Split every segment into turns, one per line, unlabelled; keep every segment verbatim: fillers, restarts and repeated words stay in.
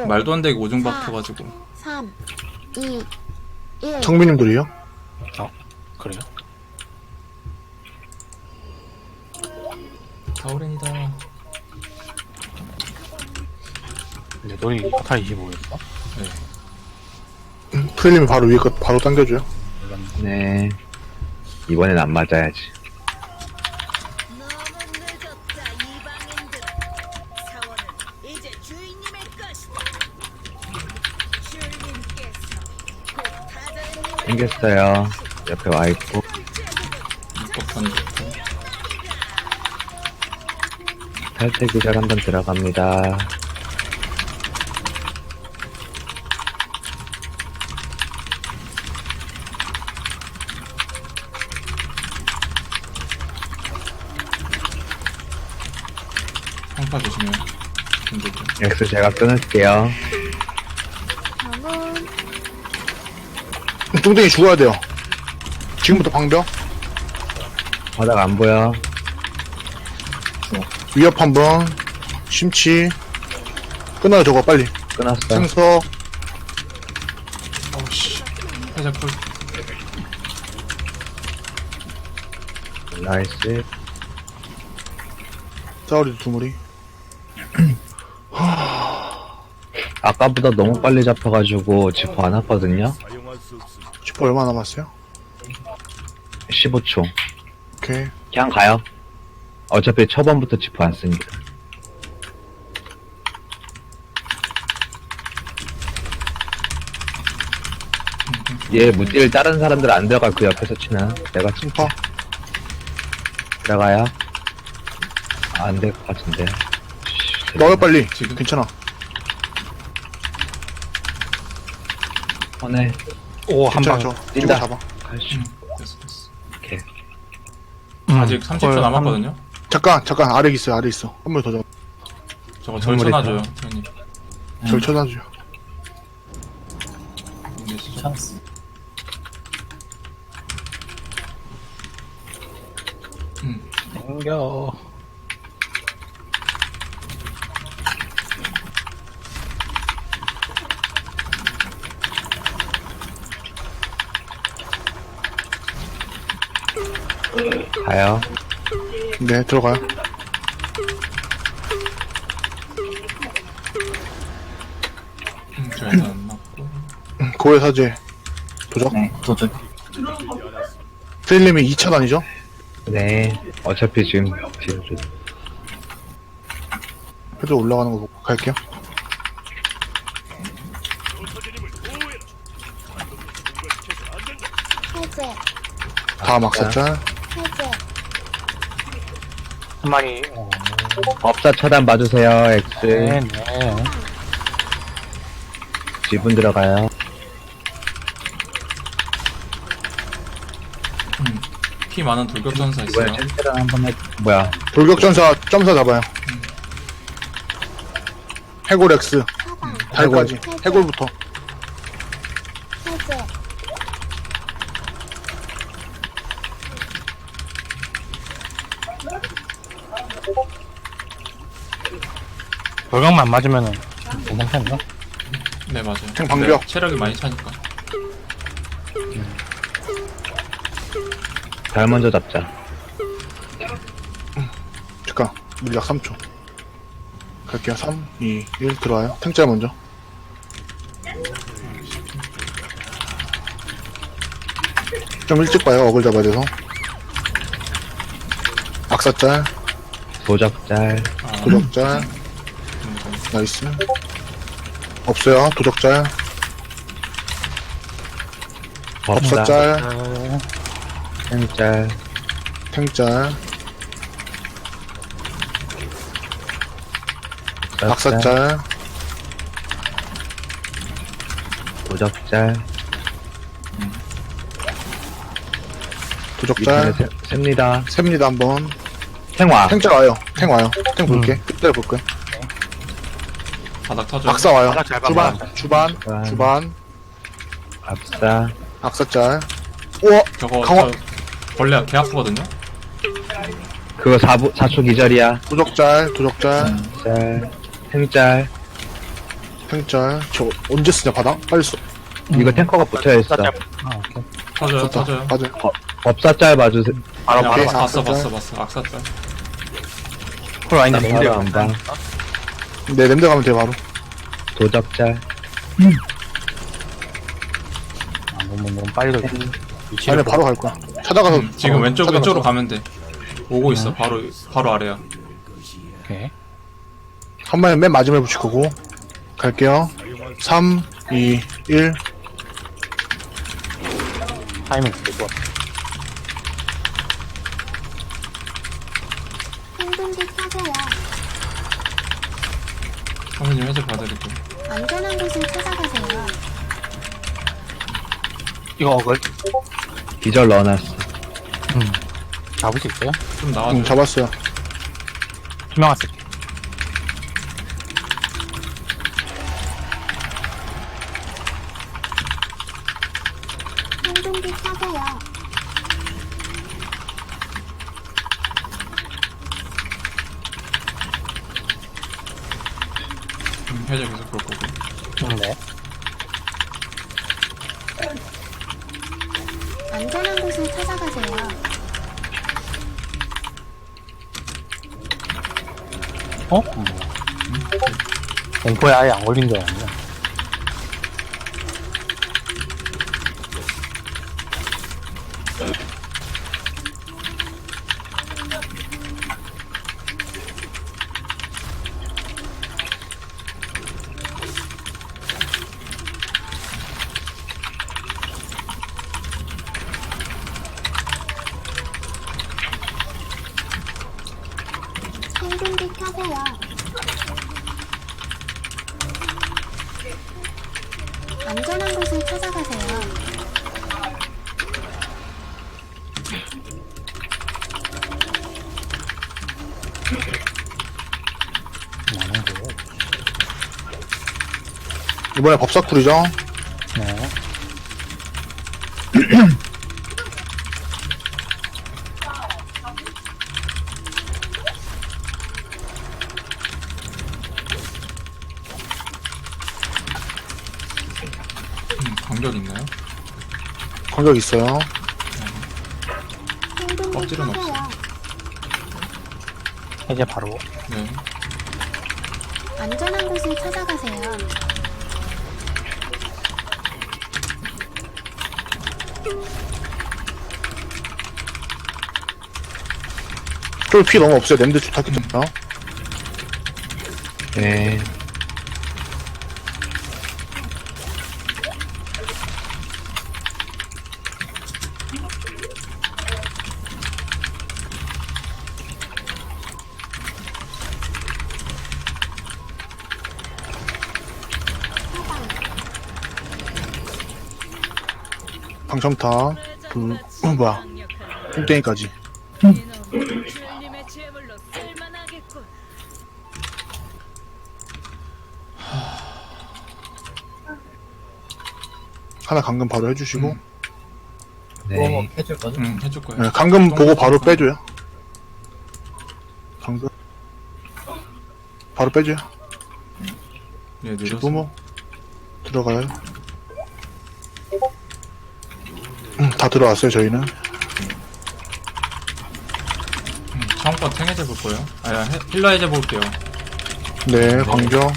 말도 안 되게 오줌 박혀가지고.
삼, 이, 일.
청비님들이요?
그래요?
가오렌이다.
근데 너희 카타 이십오였어?
네.
프릴님이 바로 위에 거 바로 당겨줘요.
네. 이번엔 안 맞아야지.
너무 늦었다 이방인들. 사원은 이제 주인님의 것이다. 주인님께서 곧 다자님을
생겼어요. 옆에 와있고.
입법한 좋고.
탈퇴 기절 한번 들어갑니다.
상파 조심해요. 힘들죠.
X 제가 끊을게요.
저는
뚱땡이 죽어야 돼요. 지금부터 방벽.
바닥 안 보여.
위협 한번. 심치. 끊어요, 저거, 빨리.
끊었어.
생석.
어우씨. 살짝 풀.
나이스.
싸우리도 두 무리.
아까보다 너무 빨리 잡혀가지고 지퍼 안 왔거든요.
슈퍼 얼마 남았어요?
십오 초.
오케이.
그냥 가요. 어차피 초반부터 지퍼 안 쓰니까. 얘 무딜 다른 사람들 안 들어갈 그 옆에서 치나? 내가 치
심파.
들어가요. 안 될 것 같은데.
넣어요, 빨리.
지금?
괜찮아.
오네.
오, 한
괜찮아,
방.
저.
뛴다.
이거 잡아.
갈수.
됐어, 됐어.
오케이.
아직 삼십 초 남았거든요?
잠깐, 잠깐. 아래 있어요, 아래 있어. 한 번 더 잡아.
저거 절 쳐놔줘요, 형님.
절 쳐놔줘요.
네, 진짜.
찬스.
음.
당겨.
가요.
네, 들어가요.
음, 저 일단 안 맞고.
음, 고해 사제. 도적.
네, 도전.
프릴님이 이 차단이죠?
네. 어차피 지금 뒤로
패드 올라가는 거 보고 갈게요.
해제,
다 막사짤.
해제.
한 마리. 어,
법사 차단 봐주세요. X.
네, 네.
지분 들어가요.
음. 피 많은 돌격전사
이번에
있어요.
챔피언 한번 해. 뭐야?
돌격전사 점사 잡아요. 해골 X.
차단,
달까지. 해골부터.
해제.
돌격만 맞으면은 괜찮나?
네, 맞아요.
탱 방벽.
네, 체력이 많이 차니까.
달 먼저 잡자.
잠깐. 물약 삼 초. 갈게요. 삼, 이, 일 들어와요. 탱짤 먼저. 좀 일찍 봐요. 어글 잡아야 돼서. 악사짤,
도적짤.
아,
도적짤.
음,
나이스. 없어요. 도적짤,
법사.
법사짤,
어,
챔짤.
탱짤, 악사짤,
도적짤.
도적짤.
밑에 셉니다.
셉니다, 한번.
생화.
탱짤 와요. 탱 와요. 탱 볼게. 그때 볼게.
바닥 터져요.
악사 와요.
바닥 잘
주반,
봐봐.
주반,
주반.
주반.
압사.
악사짤. 우와!
저거,
강화-
저, 벌레 개 아프거든요?
그거 사 초 기절이야.
도적짤, 도적짤.
짤. 생짤.
탱짤. 저 언제 쓰냐, 바닥? 빨리 써.
이거 탱커가 붙어야겠어.
아, 오케이.
터져요,
좋다.
터져요.
맞아요.
법사짤 봐주세요.
바로,
그냥
바로,
오케이.
알아서 봤어,
악사짤.
봤어, 봤어. 악사짤.
쿨 아닌데,
난
맹들
바로 안 봐.
네, 냄새 가면 돼, 바로.
도적짤.
아, 너무, 너무 빨리 돌 위치를
아니, 바로 갈 거야. 찾아가서.
음, 지금
어,
왼쪽,
찾아가서.
왼쪽으로 가면 돼. 오고 있어. 바로, 바로 아래야.
오케이.
한 마리 맨 마지막에 붙일 거고. 갈게요. 삼, 이, 일.
타이밍 되게 좋아.
행동기 켜세요.
선생님 해제 봐드릴게요.
안전한 곳을 찾아가세요.
이거 어글?
기절 넣어놨어.
음. 잡을 수 있어요?
좀 나와줘.
응, 잡았어요.
투명한 쓸게.
행동기 켜세요.
음, 해제 계속 볼 거고.
음, 네.
안전한 곳을 찾아가세요.
어? 뭐. 공포에 아예 안 걸린 줄 알았네.
행동기 켜세요. 안전한 곳을 찾아가세요.
많은 거.
이번에 법사쿨이죠?
네.
음, 간격 있나요?
공격 있어요.
행동기
껍질은
켜세요.
해제 바로.
네.
안전한 곳을 찾아가세요.
쫄피 너무 없어요. 냄새 좋다, 기다려.
네.
방청타. 그, 어, 뭐야. 뚱땡이까지.
주인님의 제물로 쓸만하겠군.
하나 감금 바로 해주시고.
음.
네.
응, 해줄 거예요.
네, 감금 보고 바로 빼줘요. 감금. 바로 빼줘요.
네, 늦었어.
부모. 들어가요. 음, 다 들어왔어요, 저희는.
음, 처음 거 탱 해제 볼 거예요. 아야, 해- 힐러 해제 볼게요.
네, 광정.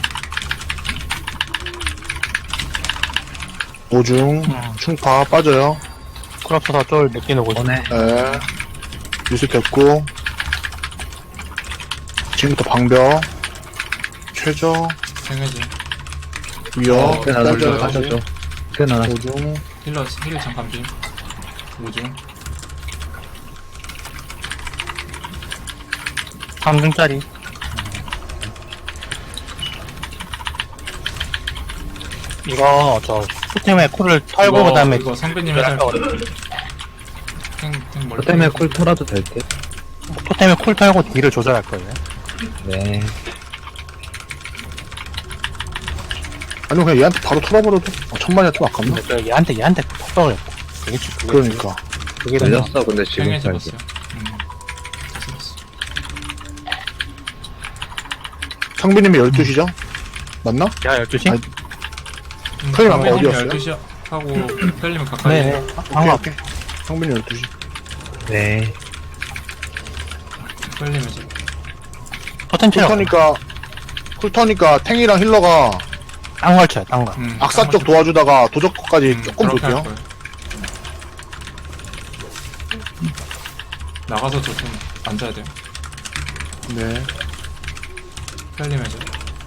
오중, 충파 빠져요.
쿨업쳐서 쫄 느끼는 곳이.
오네.
네. 유수 됐고. 지금부터 방벽. 최저,
탱 해제.
위협,
어,
그 나눠줘.
딸려,
가져줘. 그 나눠.
오중,
힐러, 힐러 잠깐 비. 오중.
삼 중짜리. 이거, 저, 수팀에 쿨을 털고, 그 다음에,
이거 선배님 해제 할 거예요. 탱, 탱 멀리.
그 때문에 쿨 털어도 될 듯.
토템에 쿨 털고 딜을 조절할 거예요.
네.
아니면 그냥 얘한테 바로 털어버려도 어, 천만이야 좀 아깝나?
근데 저 얘한테, 얘한테 턱덕을 했고. 그게, 주- 그게,
그러니까
그게 되나?
걸렸어, 근데
탱
지금
해제
살게.
봤어요. 음. 됐어, 됐어.
상비님이 열두 시죠? 맞나?
제가 열두 시?
아니,
음,
클림 아까
성빈님
어디였어요?
열두 시 하고 펠리면 가까이.
네네.
오케이,
방금
오케이. 성빈이 열두 시.
네.
펠리면 이제.
포텐 체력.
쿨터니까, 쿨터니까 탱이랑 힐러가
딴 걸 쳐요, 딴 거.
음,
악사
한
쪽
번씩-
도와주다가 도적 거까지
음,
조금
그렇게 할
볼게요.
거예요. 나가서 저 좀 앉아야 돼요.
네.
펠리면 이제.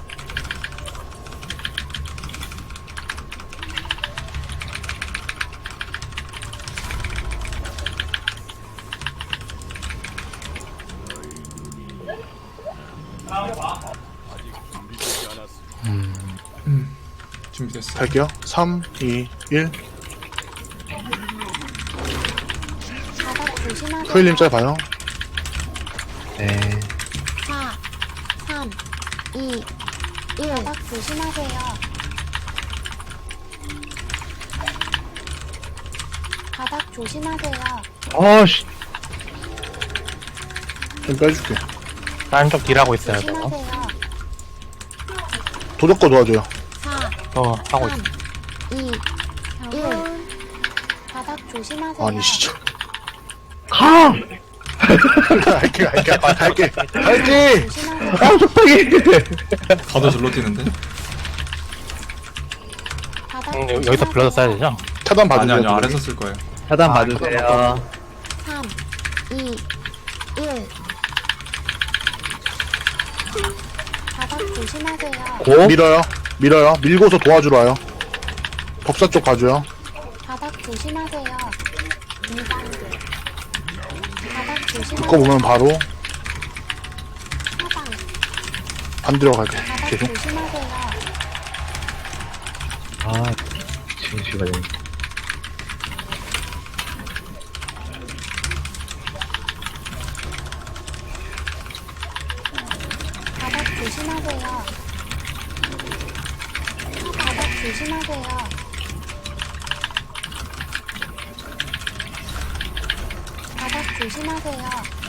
음, 준비됐어.
갈게요. 삼, 이, 일.
바닥 조심하세요.
프일님 짤 봐요.
네.
사, 삼, 이, 일. 바닥 조심하세요. 바닥 조심하세요.
어씨.
좀 빼줄게.
다른 쪽 딜하고 있어요, 저거.
조심하세요.
도적 거 도와줘요.
사,
저 하고 있어.
삼, 이, 일. 바닥 조심하세요.
아니, 진짜.
가!
갈게, 갈게, 갈게. 갈게!
조심하세요.
아, 속상해!
가도 절로 뛰는데?
바닥
음, 여기서
조심하세요.
불러서 써야 되죠?
차단
아니,
받으세요.
아니,
도적이.
아래서 쓸 거예요.
차단
아,
봐주세요.
삼, 이, 일. 바닥 조심하세요.
고?
밀어요. 밀어요. 밀고서 도와주러 와요. 법사 쪽 봐줘요.
바닥 조심하세요. 이 단계. 바닥 조심하세요.
그거 보면 바로
하방.
반대로 갈게.
바닥
계속.
조심하세요.
아, 지금 시간이.
바닥 조심하세요. 바닥 조심하세요. 바닥 조심하세요.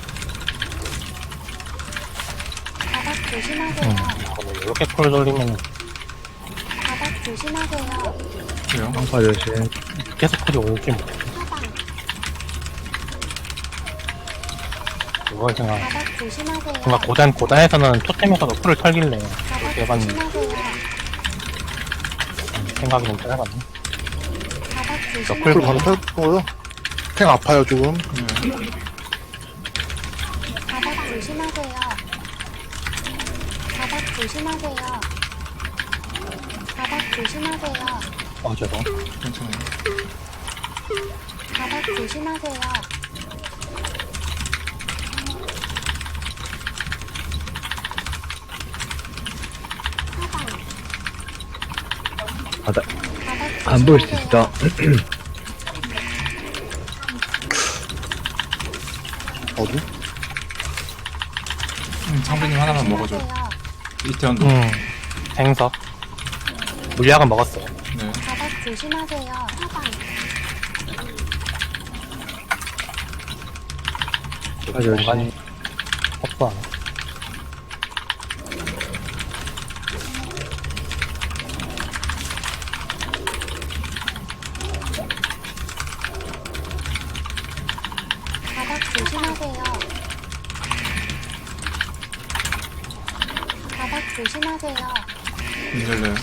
바닥 조심하세요.
음, 이렇게 콜 돌리면
바닥 조심하세요.
그래요?
황파 조심.
계속 콜이 올지 뭐.
하방.
그걸 생각.
바닥 조심하세요.
뭔가 고단, 고단에서는 토템에서도 콜을 털길래
바닥
해봤는데
조심하세요.
음, 생각이 좀 짧았네.
바닥
풀
조심하세요.
바로 펼 거고요. 탱 아파요, 조금.
네.
바닥 조심하세요. 바닥 조심하세요. 바닥 조심하세요.
어, 죄송.
괜찮아요.
바닥 조심하세요. 하방.
바닥,
바닥
안 보일 수
조심하세요.
있어.
어디?
음, 상빈님 하나만 먹어줘요.
조심하세요.
이태원도.
음, 생석. 물약은 먹었어요.
네.
바닥 조심하세요. 하방.
황파 조심.
공간이 없어.
바닥 조심하세요. 바닥 조심하세요.
인절래요.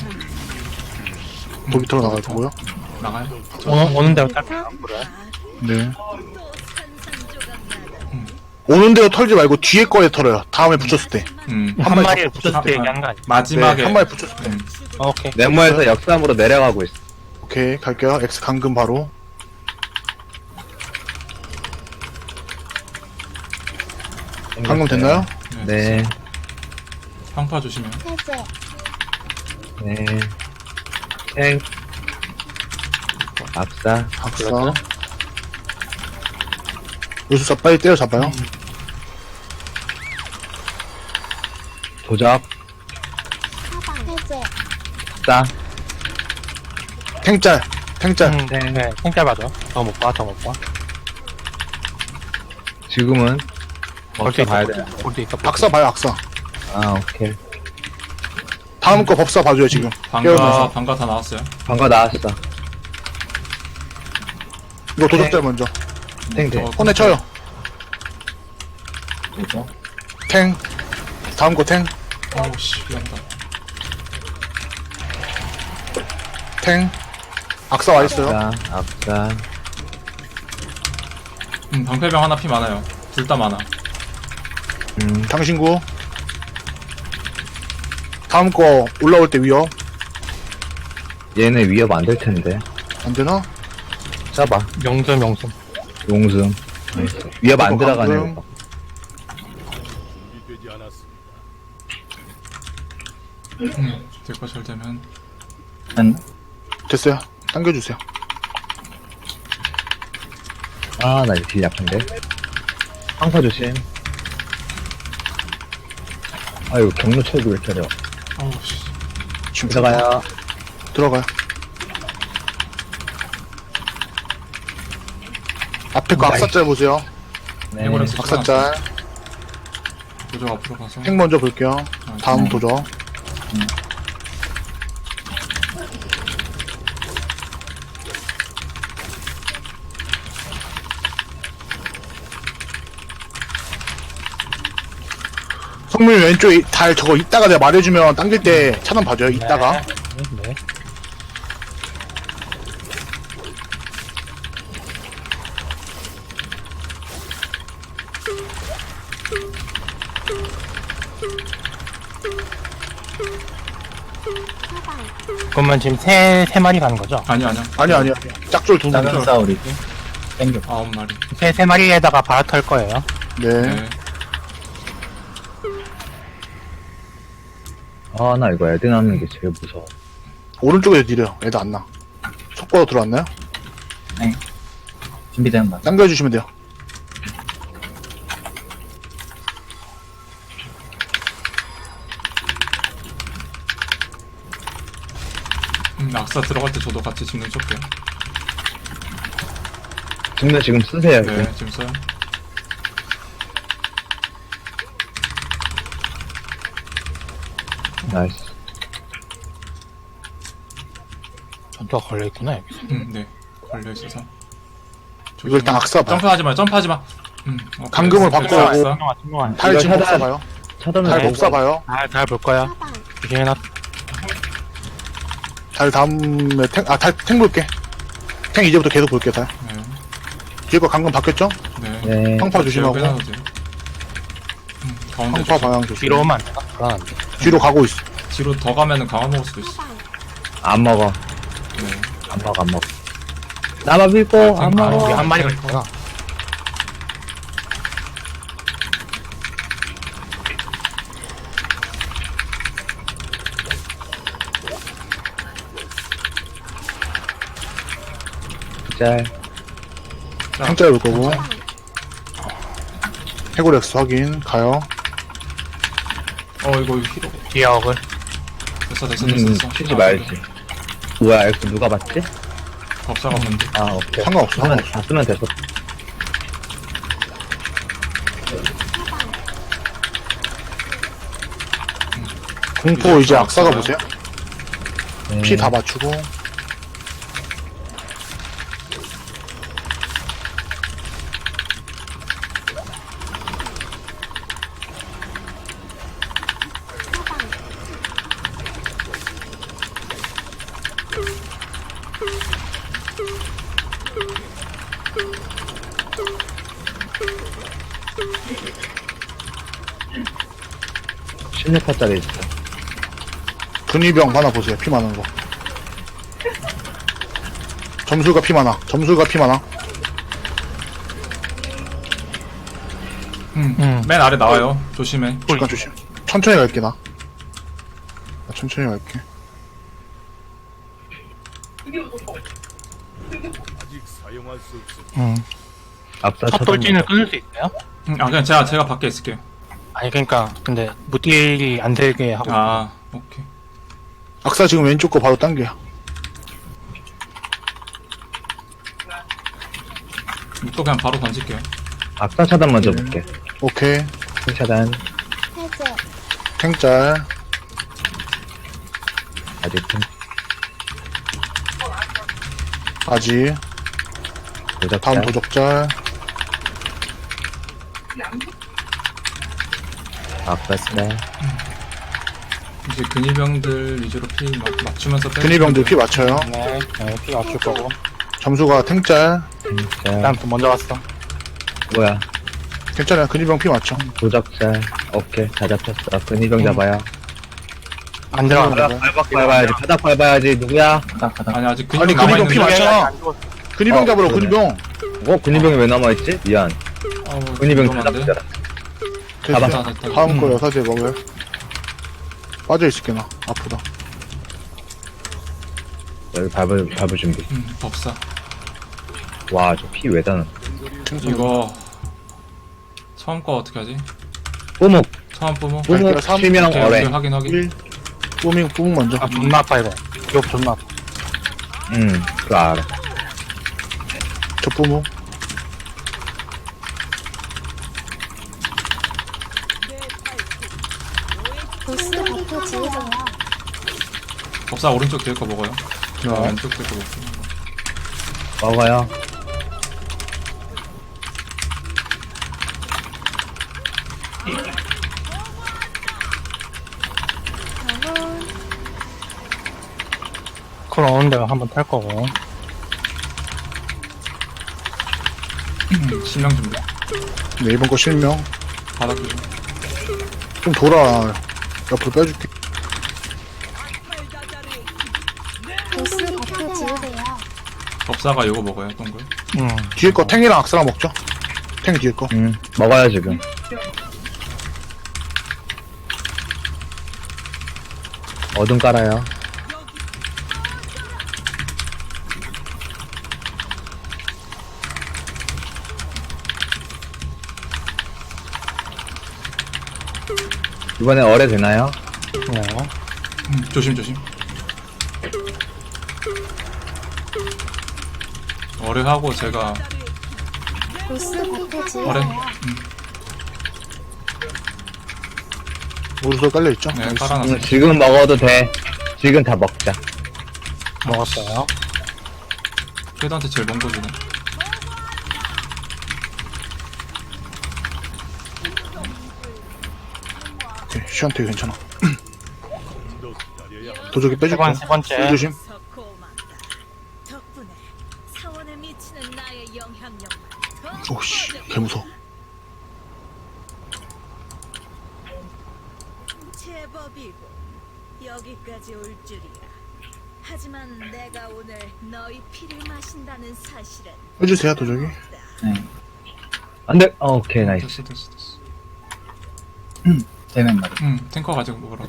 도비터로 나갈 거고요.
나가요?
오는, 오는 대로 탈게요. 그래.
네.
또 산산조각 나다.
오는 대로 털지 말고 뒤에 거에 털어요. 다음에 붙였을 때.
음.
한
마리
마리를
더
붙였을 때
아,
얘기하는 거 아니야?
마지막에.
네, 한 마리 붙였을 때.
음.
어, 오케이.
네모에서 역삼으로 내려가고 있어.
오케이, 갈게요. X 강금 바로. 방금 됐나요?
네,
황파 조심해요.
해제.
네. 탱. 압사.
박사.
그렇죠.
요술사 빨리 때려잡아요.
도적.
하방. 해제.
압사.
탱짤. 탱짤.
음, 네, 네. 생짤 봐줘. 더 못 봐, 더 못 봐.
지금은.
볼수
어떻게
있어.
봐야 돼?
볼수 있어.
박사 봐요, 악사.
아, 오케이.
다음 거 법사 봐줘요, 지금.
방가,
깨우면서.
방가 다 나왔어요.
방가 나왔어.
이거 도적자 먼저.
탱탱.
어,
혼내 쳐요.
뭐죠?
탱. 다음 거 탱.
어우, 씨, 미안다.
탱. 악사 와 있어요.
악사, 악사.
음, 방패병 하나 피 많아요. 둘 다 많아.
음,
당신구. 다음 거 올라올 때 위협.
얘네 위협 안 될 텐데.
안 되나?
잡아.
명점 명점.
용승. 나이스. 위협 안
이거
들어가네.
방금.
이거.
음, 될거 잘 되면.
한
됐어요. 당겨주세요.
아, 나 이거 딜 약한데. 황사 조심. 아유, 경로 체력이 왜 이렇게 어려워.
어우, 씨.
지금
들어가요.
들어가요. 앞에 거 악사짤 보세요.
네.
해버렸어.
악사짤.
도적 앞으로 가서.
탱 먼저 볼게요. 다음 도적. 성민 왼쪽에 달 저거 이따가 내가 말해주면 당길 때 차단 봐줘요. 이따가.
네. 네. 그러면 지금 세, 세 마리 가는 거죠?
아니, 아니야.
아니 아니 아니. 짝쫄 두 분.
작은 싸우리고 땡겨.
아홉 마리.
세, 세 마리에다가 바라 털 거예요.
네.
네.
아, 나 이거 애드 남는 게 제일 무서워.
오른쪽에 느려요. 애들 안 나. 속보로 들어왔나요?
준비되는 거.
당겨주시면 돼요.
음, 악사 들어갈 때 저도 같이 집는 쏠게요.
지금 지금 쓰세요. 지금.
네, 지금 써요.
나이스.
전투가 걸려있구나, 여기서.
음, 네. 걸려있어서.
이거 일단 악사 봐요.
점프하지 마, 점프하지 마. 음, 오케이.
감금을 받고
됐어,
하고.
됐어.
투명한, 투명한.
달
이거
지금
차단.
법사 봐요.
차단을
달
네.
법사 봐요.
잘, 잘 볼 거야.
사방.
조심해놔.
달 다음에 탱, 아, 달, 탱 볼게. 탱 이제부터 계속 볼게, 달.
네.
뒤에 거 방금 바뀌었죠?
네.
네.
황파 조심하고.
빼놔도 돼요. 음, 가운데
황파
조심.
방향 조심.
뒤로 오면 안 되나? 불안한데.
뒤로 가고 있어.
뒤로 더 가면은 강화 먹을 수도 있어.
사방.
안 먹어.
네.
안 먹어, 안 먹어. 나만 믿고, 안
아,
아, 여기
먹어.
한 마리가 있구나.
짤.
탱짤 볼 거고. 해골엑스 확인. 가요.
어, 이거 히로.
뒤에 어글.
됐어, 됐어, 됐어.
음,
됐어.
치지
아,
말지. 뭐야, 엑스 누가 봤지?
법사가 뭔데?
아, 오케이.
상관없어,
쓰면,
상관없어.
다 쓰면 됐어.
공포 이제 악사가
없어요.
보세요.
네.
피 다 맞추고.
십육 퍼짜리 있어.
근위병 하나 보세요. 피 많은 거. 점술가 피 많아. 점술가 피 많아.
음,
음.
맨 아래 나와요. 조심해.
잠깐 조심. 천천히 갈게, 나. 나 천천히 갈게.
음.
앞서
첫 돌진을 끊을 수 있어요?
음, 아, 그냥 제가, 제가 밖에 있을게요.
아니, 그니까, 근데, 무딜이 안 되게 하고.
아, 오케이.
악사 지금 왼쪽 거 바로 당겨요.
또 그냥 바로 던질게요.
앞서 차단 먼저 볼게.
오케이.
큰 차단.
해제.
탱짤.
아직 좀
아직.
도적
다음 도적짤.
아까스네.
이제 근위병들 위주로 피 막, 맞추면서 빼.
근위병들 피 맞춰요.
네, 네, 피 맞출 거고.
점수가 탱짤.
자,
다음 또 먼저 왔어.
뭐야?
괜찮아요. 근위병 피 맞춰.
도적자. 오케이, 다 잡혔어. 근위병 잡아요.
안 들어가.
들어가.
바닥 밟아야지. 바닥 밟아야지. 누구야?
바닥 바닥.
아니 아직
아니,
근위병
근위병 피
남아있는데.
맞잖아. 근위병
어,
잡으러,
그러네.
근위병.
어, 근위병이 왜 남아있지? 미안.
어우,
근위병 다
위험한데?
잡혔잖아.
됐어.
됐다, 됐다.
다음 거 여사제 먹어요. 빠져있을게, 나. 아프다.
여기 밟을, 밟을 준비.
음, 법사.
와, 저 피 왜 다는?
이거 처음 거 어떻게 하지?
뿌목!
처음 뿜어.
갈게요.
뿌목,
삼,
실명
오케이,
어레.
오케이, 확인 확인.
일. 뿌밍, 뿌밍 먼저.
아, 존나 아파, 이거. 기업 존나 아파.
응, 그거 알아.
저 뿌무.
보스 버프 지우세요.
법사 오른쪽 뒤에 거 먹어요. 저
네.
왼쪽 뒤에 거 먹고.
먹어요.
저는
콜 오는 데가 한번 탈 거고.
음, 신명 준비.
네, 이번 거 실명.
바닥 조심.
좀 돌아. 옆으로 빼줄게.
보스 버프 지우세요.
법사가 요거 먹어요, 동글.
음.
뒤에 거 탱이랑 악사랑 먹죠. 탱 뒤에 거.
응, 먹어요, 지금. 어둠 깔아요. 이번에 어뢰 되나요?
네.
음, 조심 조심. 어뢰하고 제가
보스 버프
어뢰.
지우세요.
음,
우르솔 깔려있죠?
네,
나이스.
깔아놨어.
응, 지금 먹어도 돼. 지금 다 먹자.
먹었어요.
쉐드한테 제일 먼 거주네.
오케이, 시한테 괜찮아. 도적이
세
빼줄게.
번, 세 번째.
조심.
고맙다. 덕분에 사원에 미치는 나의 영향력만 더
오씨,
커졌다.
개무서워.
제법이고 여기까지 올 줄이야. 하지만 내가 오늘 너희 피를 마신다는 사실은
해주세요, 도적이.
네.
안 돼! 어, 오케이, 나이스.
됐어 됐어 됐어.
세명 말이.
음, 탱커 가지고 먹으라.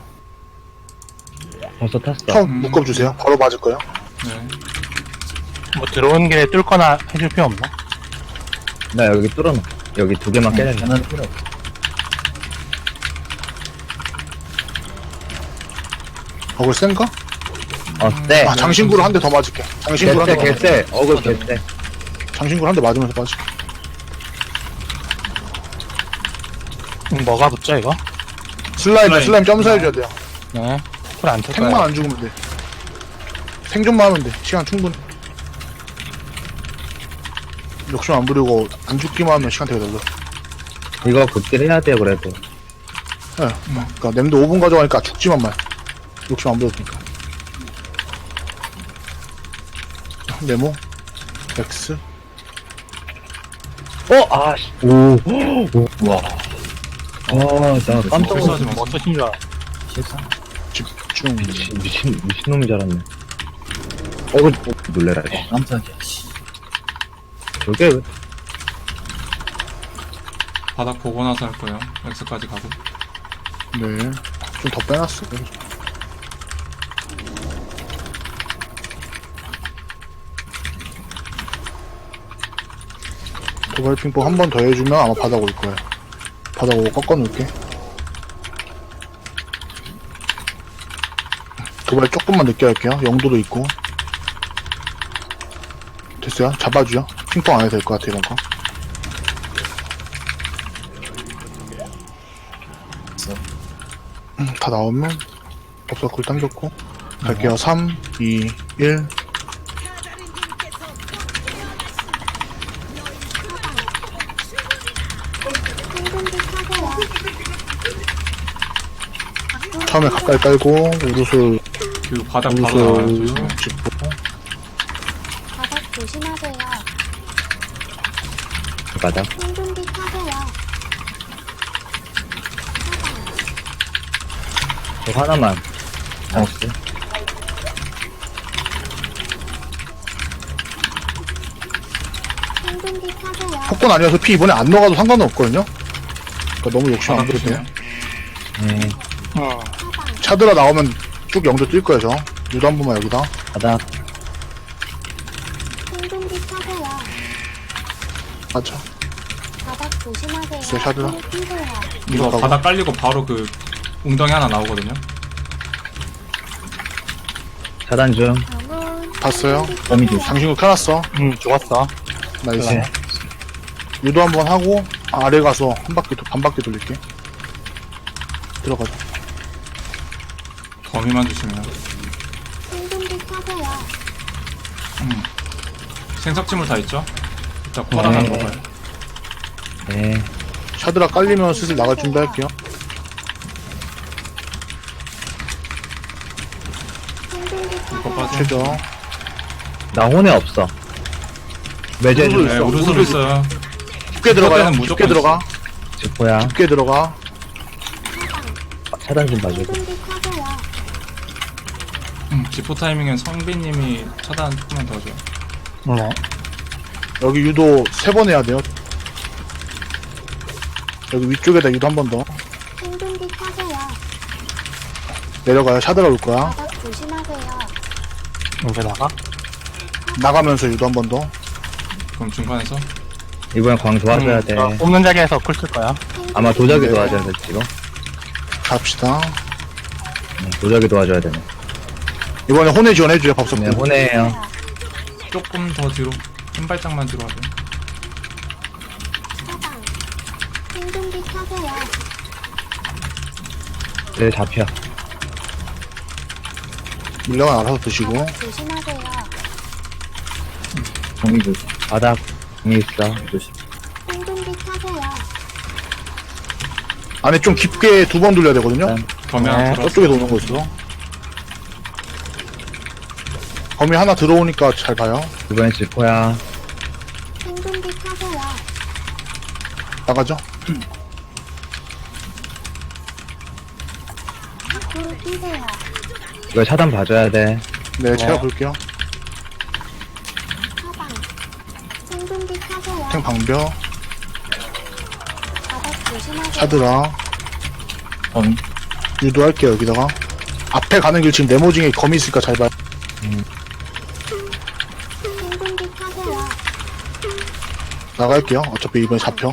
벌써 탔어.
처음
음.
묶어주세요. 바로 맞을 거예요.
네.
뭐 들어오는 길에 뚫거나 해줄 필요 없나?
나 여기 뚫어놔. 여기 두 개만 깨야 돼.
저는 필요 없어.
어글 센가?
어, 쎄.
아, 장신구로 한 대 더 맞을게. 장신구로 한 대
개쎄,
더 맞을게.
개쎄. 어글 개쎄.
장신구로 한 대 맞으면서 빠질게.
음, 뭐가 붙죠, 이거?
슬라임,
슬라임.
슬라임 점사해줘야 돼요.
네. 콜안 찰
탱만
거야.
안 죽으면 돼. 생존만 하면 돼. 시간 충분해. 욕심 안 부리고 안 죽기만 하면 시간 되게 달라.
이거 극딜 해야 돼요, 그래도.
예. 그니까 냄도 오 분 가져가니까 죽지만 말. 욕심 안 부렸으니까. 네모. X.
어, 아, 씨. 오, 오, 와. 아, 나 깜짝
실수하지
놀랐어.
마세요.
뭐 쓰신 줄 알아.
실수.
집중.
미친, 미친, 미친놈인 줄 알았네. 어글, 어, 놀래라. 씨.
깜짝이야. 씨.
저게 왜?
바닥 보고 나서 할 거예요. X까지 가고.
네. 좀 더 빼놨어. 도발 핑퐁 한 번 더 해주면 아마 바닥 올 거예요. 바닥 오고 꺾어 놓을게. 도발 조금만 늦게 할게요. 영도도 있고. 됐어요? 잡아주죠. 핑퐁 안 해도 될 것 같아, 이런 거. 음, 다 나오면 법사 굴 당겼고. 갈게요. 삼, 이, 일.
생존기 타세요.
처음에 가까이 깔고, 우르솔,
그 바닥 바로 나와요.
우르솔
조심해.
짚고.
바닥 조심하세요.
그 바닥.
생존기 타세요.
저 하나만. 나이스.
생존기 타세요.
폭권 아니어서 피 이번에 안 넣어가도 상관은 없거든요? 그러니까 너무 욕심 안
바닥
부려도 돼요.
조심해.
네.
어.
차드라 나오면 쭉 영도 뛸 거예요, 저. 유도 한 번만 여기다.
바닥.
생존기 타세요.
맞아.
바닥 조심하세요.
제 샤드라.
앞으로 뛰세요.
이거
가고.
바닥 깔리고 바로 그 웅덩이 하나 나오거든요.
차단 중.
정훈.
봤어요?
범위 조심.
장신구 켜놨어.
음, 죽었어.
나이스.
네.
유도 한 번 하고, 아래 가서 한 바퀴, 도- 반 바퀴 돌릴게. 들어가자.
거미만 조심해요.
생존기 타세요.
음. 생석지물 다 있죠? 일단 콜 하나
네.
먹어요.
네.
샤드라 깔리면 슬슬 나갈 준비할게요.
생존기
이거
타세요.
빠져.
최저.
나 혼에 없어. 매제
우르솔
중.
네,
있어.
우르솔
우르솔
있어요.
깊게 들어가요.
때는
깊게
무조건
들어가.
지포야.
깊게 들어가.
차단 좀 봐주고.
생존기 타세요.
음, 기포 타이밍엔 성빈님이 차단 조금만 더 해줘요.
네.
여기 유도 세 번 해야 돼요. 여기 위쪽에다 유도 한 번 더.
생존기 타세요.
내려가요. 샤드라 올 거야.
바닥 조심하세요.
이제 나가?
나가면서 유도 한 번 더.
그럼 중간에서
이번엔 광 도와줘야
음,
돼.
저 뽑는 자리에서 쿨 쓸 거야.
아마 도자기
네.
도와줘야 돼, 지금.
갑시다.
응, 도자기 도와줘야 되네.
이번에 혼에 지원해줘요. 밥솥.
네, 혼해요.
조금 더 뒤로 한 발짝만 뒤로 하죠.
사방. 생존기 타세요.
네, 잡혀.
물량은 알아서 드시고.
바닥 조심하세요.
범위 조심.
바닥. 이 있어.
조심.
생존기 타세요.
안에 좀 깊게 두 번 돌려야 되거든요.
네.
거미 하나
네.
들어왔어.
저쪽에 도는 거 있어. 범위 하나 들어오니까 잘 봐요.
이번엔 지포야.
생존기 타세요.
나가죠.
앞으로 뛰세요.
이거 차단 봐줘야 돼.
네, 제가 볼게요.
사방. 생존기 타세요.
탱 방벽,
바닥 조심하세요.
샤드라,
범위.
유도할게요, 여기다가. 앞에 가는 길 지금 네모징에 검이 있으니까 잘 봐요.
생존기 타세요.
나갈게요. 어차피 이번에 잡혀.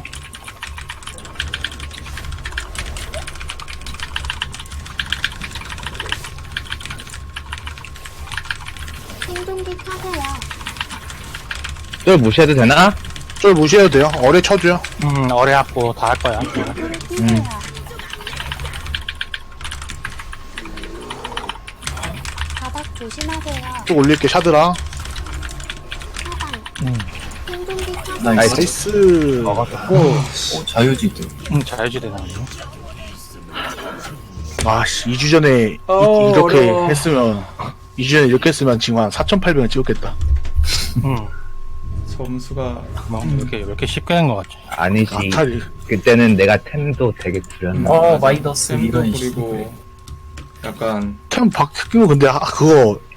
생존기 타세요.
쫄 무시해도 되나?
쫄 무시해도 돼요. 어뢰 쳐줘요.
음, 어뢰하고 다 할 거야.
앞으로 뛰세요. 바닥 조심하세요.
쭉 올릴게, 샤드라.
사방.
음,
생존기 타세요.
나이스.
나이스.
먹었어.
오, 자유지도.
음, 자유지대 나오네.
와씨, 이 주 전에 이,
어,
이렇게
어려워.
했으면, 이 주 전에 이렇게 했으면 지금 한 사천팔백을 찍었겠다.
음,
점수가
뭐, 이렇게, 이렇게 쉽게 된 거 같지.
아니지.
아탈이.
그때는 내가 템도 되게 줄였나.
어, 마이너스
샘도
이런
부리고 약간
템 바뀌고 근데, 아, 그거,